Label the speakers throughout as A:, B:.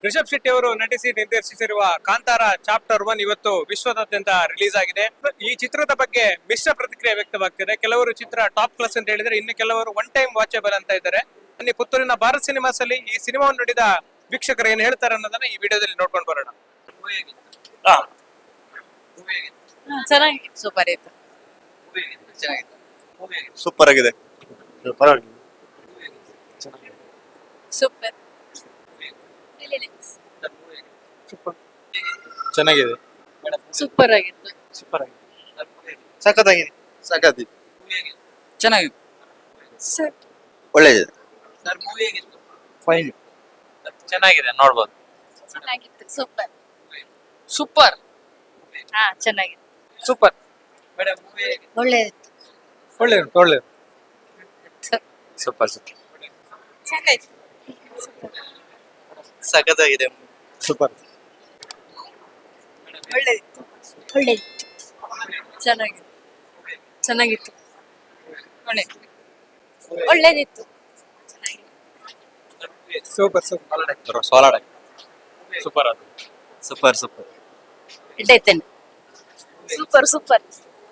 A: ರಿಷಬ್ ಶೆಟ್ಟಿ ಅವರು ನಟಿಸಿ ನಿರ್ದೇಶಿಸಿರುವ ಕಾಂತಾರ ಚಾಪ್ಟರ್ 1 ಇವತ್ತು ವಿಶ್ವದಾದ್ಯಂತ ರಿಲೀಸ್ ಆಗಿದೆ. ಈ ಚಿತ್ರದ ಬಗ್ಗೆ ಮಿಶ್ರ ಪ್ರತಿಕ್ರಿಯೆ ವ್ಯಕ್ತವಾಗ್ತಿದೆ. ಕೆಲವರು ಚಿತ್ರ ಟಾಪ್ ಕ್ಲಾಸ್ ಅಂತ ಹೇಳಿದ್ರೆ, ಇನ್ನು ಕೆಲವರು ಒನ್ ಟೈಮ್ ವಾಚಬಲ್ ಅಂತ ಇದ್ದಾರೆ. ಅಲ್ಲಿ ಪುತ್ತೂರಿನ ಭಾರತ್ ಸಿನಿಮಾಸ್ ಅಲ್ಲಿ ಈ ಸಿನಿಮಾವನ್ನು ನೋಡಿದ ವೀಕ್ಷಕರು ಏನ್ ಹೇಳ್ತಾರೆ ಅನ್ನೋದನ್ನ ಈ ವಿಡಿಯೋದಲ್ಲಿ ನೋಡ್ಕೊಂಡು ಬರೋಣ.
B: ಚೆನ್ನಾಗಿತ್ತು, ಸೂಪರ್ ಇತ್ತು,
C: ಸೂಪರ್ ಆಗಿದೆ.
B: ಸೂಪರ್
C: ಚೆನ್ನಾಗಿದೆ.
B: ಸೂಪರ್ ಆಗಿತ್ತು,
C: ಸೂಪರ್ ಆಗಿದೆ. ಸಖತ್ತಾಗಿದೆ. ಸಖತ್ತಿದೆ.
B: ಚೆನ್ನಾಗಿತ್ತು,
C: ಒಳ್ಳೆದಿದೆ.
A: ಫೈನ್,
D: ಚೆನ್ನಾಗಿದೆ, ನೋಡ್ಬೋದು.
B: ಚೆನ್ನಾಗಿತ್ತು, ಸೂಪರ್ ಸೂಪರ್. ಹಾ, ಚೆನ್ನಾಗಿತ್ತು,
A: ಸೂಪರ್,
B: ಒಳ್ಳೆದಿತ್ತು,
A: ಒಳ್ಳೆ ಒಳ್ಳೆ
D: ಸೂಪರ್ ಸೂಪರ್
B: ಚೆನ್ನಾಗಿತ್ತು,
D: ಸಖತ್ತಾಗಿದೆ.
A: ಸೂಪರ್,
B: ಒಳ್ಳೆದಿತ್ತು, ಒಳ್ಳೆದಿತ್ತು, ಚೆನ್ನಾಗಿತ್ತು, ಚೆನ್ನಾಗಿತ್ತು, ಒಳ್ಳೆದಿತ್ತು,
A: ಸೂಪರ್ ಸೂಪರ್
D: ಸೋಲಾಡ
A: ಸೂಪರ್
D: ಸೂಪರ್ ಸೂಪರ್
B: ಇಟ್ಟೈತೇನೆ. Super super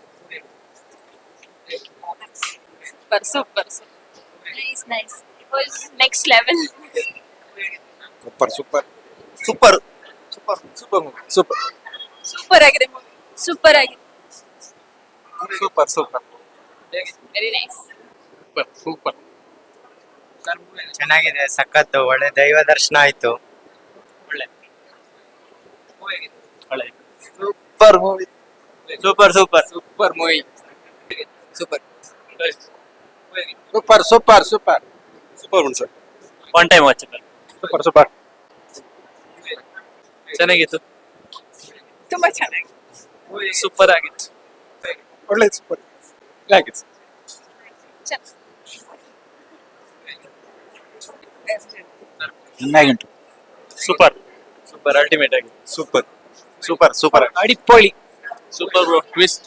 B: super super nice nice, next level.
C: Super super super super super super
B: super ಆಗಿದೆ ಮೂವಿ, ಸೂಪರ್ ಆಗಿದೆ,
A: super super
B: very nice.
A: Super
D: ಚೆನ್ನಾಗಿದೆ, ಸಖತ್ತು, ಒಳ್ಳೆ ದೈವ ದರ್ಶನ ಆಯ್ತು.
C: Super movie.
D: Super super
A: super movie
D: super
C: super super super super ಉಂಟು sir.
D: One time watchable.
A: Super super
D: ಚೆನ್ನಾಗಿತ್ತು,
B: ತುಂಬಾ ಚೆನ್ನಾಗಿ,
D: ಸೂಪರ್ ಆಗಿತ್ತು.
A: ಒಳ್ಳೆ ಸೂಪರ್ ಆಗಿತ್ತು.
C: ಚೆನ್ನಾಗಿಂಟು.
D: ಸೂಪರ್ ಸೂಪರ್ ಅಲ್ಟಿಮೇಟ್ ಆಗಿ
C: ಸೂಪರ್ ಸೂಪರ್ ಸೂಪರ್
A: ಅಡಿಪೊಳಿ
D: super bro. Twist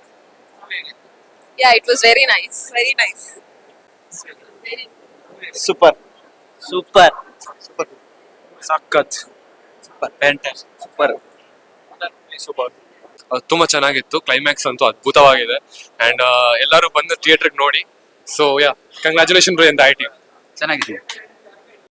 B: yeah, it was very nice, very nice,
C: super
D: super
C: super
A: ಸಖತ್
D: ಸೂಪರ್ ಫ್ಯಾಂಟಾಸ್ಟಿಕ್ ಸೂಪರ್
A: ಸೂಪರ್. ತುಂಬಾ ಚೆನ್ನಾಗಿತ್ತು. ಕ್ಲೈಮ್ಯಾಕ್ಸ್ ಅಂತೂ ಅದ್ಭುತವಾಗಿದೆ. ಅಂಡ್ ಎಲ್ಲರೂ ಬಂದು ಥಿಯೇಟರ್ಗೆ ನೋಡಿ. ಸೊ ಯಾ, ಕಂಗ್ರಾಚುಲೇಷನ್ ಟು ಎಂದ ಐ ಟೀಮ್.
D: ಚೆನ್ನಾಗಿದೆ.